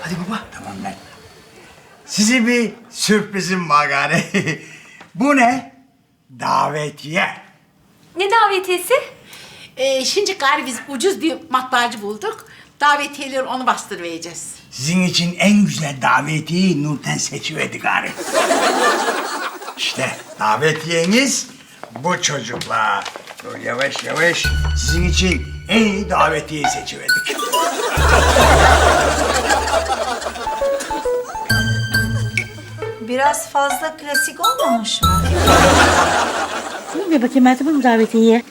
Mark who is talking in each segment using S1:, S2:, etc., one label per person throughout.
S1: Hadi baba.
S2: Tamam lan. Size bir sürprizim var gari. Bu ne? Davetiye.
S3: Ne davetiyesi?
S4: Şimdi gari biz ucuz bir matbaacı bulduk. Davetiyeleri onu bastırmayacağız.
S2: Sizin için en güzel davetiyeyi Nurten seçiverdi gari. İşte davetiyeniz bu çocuklar. Dur yavaş yavaş. Sizin için en iyi davetiyeyi seçiverdik.
S5: Biraz fazla klasik olmamış mı?
S6: Bir bakayım Meltem Hanım davetiye.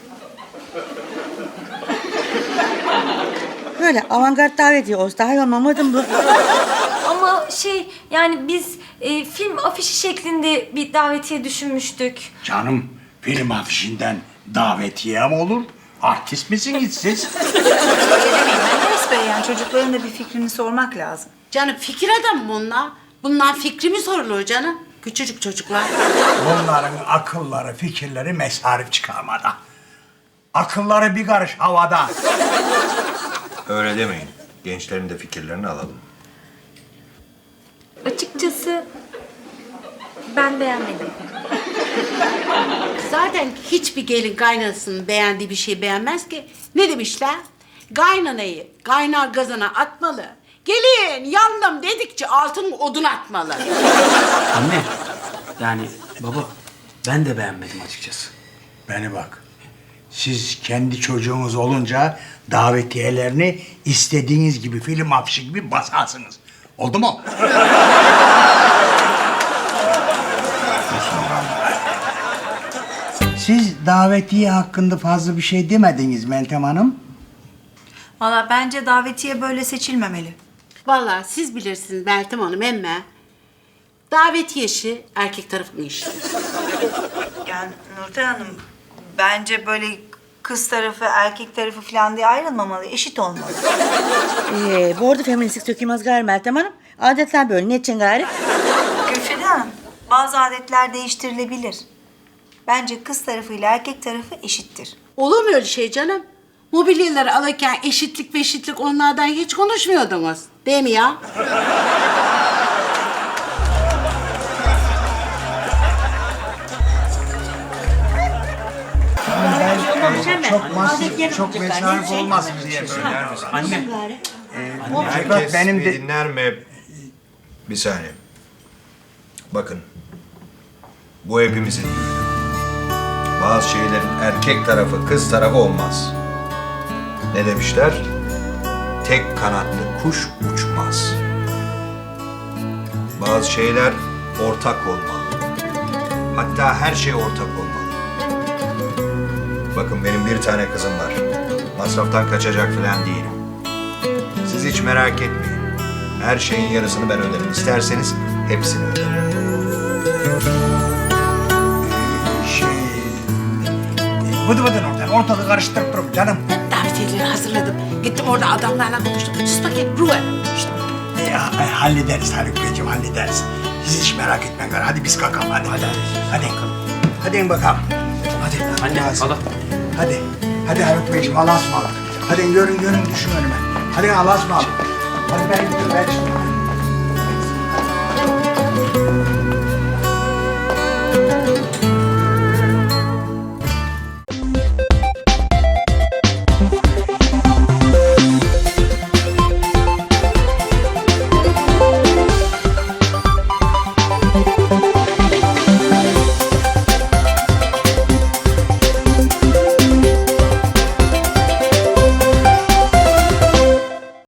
S6: Böyle avantgard davetiye olsa daha iyi olmamadı mı bu?
S3: Ama yani biz film afişi şeklinde bir davetiye düşünmüştük.
S2: Canım film afişinden davetiye mi olur? Artist misiniz siz?
S5: Menderes Bey, yani çocukların da bir fikrini sormak lazım.
S4: Canım fikir adamı bunlar. Bundan fikri mi sorulur canım? Küçücük çocuklar.
S2: Bunların akılları, fikirleri mesarif çıkarmada. Akılları bir karış havada.
S7: Öyle demeyin. Gençlerin de fikirlerini alalım.
S3: Açıkçası ben beğenmedim.
S4: Zaten hiçbir gelin kaynanasının beğendiği bir şey beğenmez ki. Ne demişler? Kaynanayı kaynar gazana atmalı. Gelin yandım dedikçe altın odun atmalı.
S1: Anne. Yani baba ben de beğenmedim açıkçası.
S2: Beni bak. Siz kendi çocuğunuz olunca davetiyelerini istediğiniz gibi film afişi gibi basarsınız. Oldu mu? Siz davetiye hakkında fazla bir şey demediniz Meltem Hanım.
S5: Valla bence davetiye böyle seçilmemeli.
S4: Vallahi siz bilirsiniz Meltem Hanım emme. Davetiye işi erkek tarafının işi.
S5: Yani Nurten Hanım, bence böyle kız tarafı, erkek tarafı falan diye ayrılmamalı, eşit olmalı.
S6: Bu arada feministlik sökülmez gari Meltem Hanım. Adetler böyle. Ne için gari?
S5: Gülfide Hanım, bazı adetler değiştirilebilir. Bence kız tarafıyla erkek tarafı eşittir.
S4: Olur mu öyle şey canım? Mobilyaları alırken eşitlik onlardan hiç konuşmuyordunuz. Değil mi ya?
S2: Çok mesarif olmasın diye böyle.
S1: Anne.
S7: Herkes
S2: benim
S7: bir
S2: de...
S7: dinler mi? Bir saniye. Bakın. Bu hepimizin. Bazı şeylerin erkek tarafı, kız tarafı olmaz. Ne demişler? Tek kanatlı kuş uçmaz. Bazı şeyler ortak olmalı. Hatta her şey ortak olmalı. Bakın benim bir tane kızım var. Masraftan kaçacak falan değilim. Siz hiç merak etmeyin. Her şeyin yarısını ben öderim. İsterseniz hepsini öderim.
S2: Bıdı bıdı oradan ortalığı karıştırıp durup canım.
S4: Davetiyeleri hazırladım. Gittim orada adamlarla konuştum. Sus bakayım Ruhe. İşte.
S2: Hallederiz Haluk Beyciğim, hallederiz. Siz hiç merak etmeyin. Hadi biz kalkalım hadi. Hadi. Hadi bakalım. Hadi.
S1: Anne hala.
S2: Hadi Haluk Beyciğim Allah'a ısmarladık. Hadi görün düşün önüme. Hadi Allah'a ısmarladık. Hadi ben gidiyorum.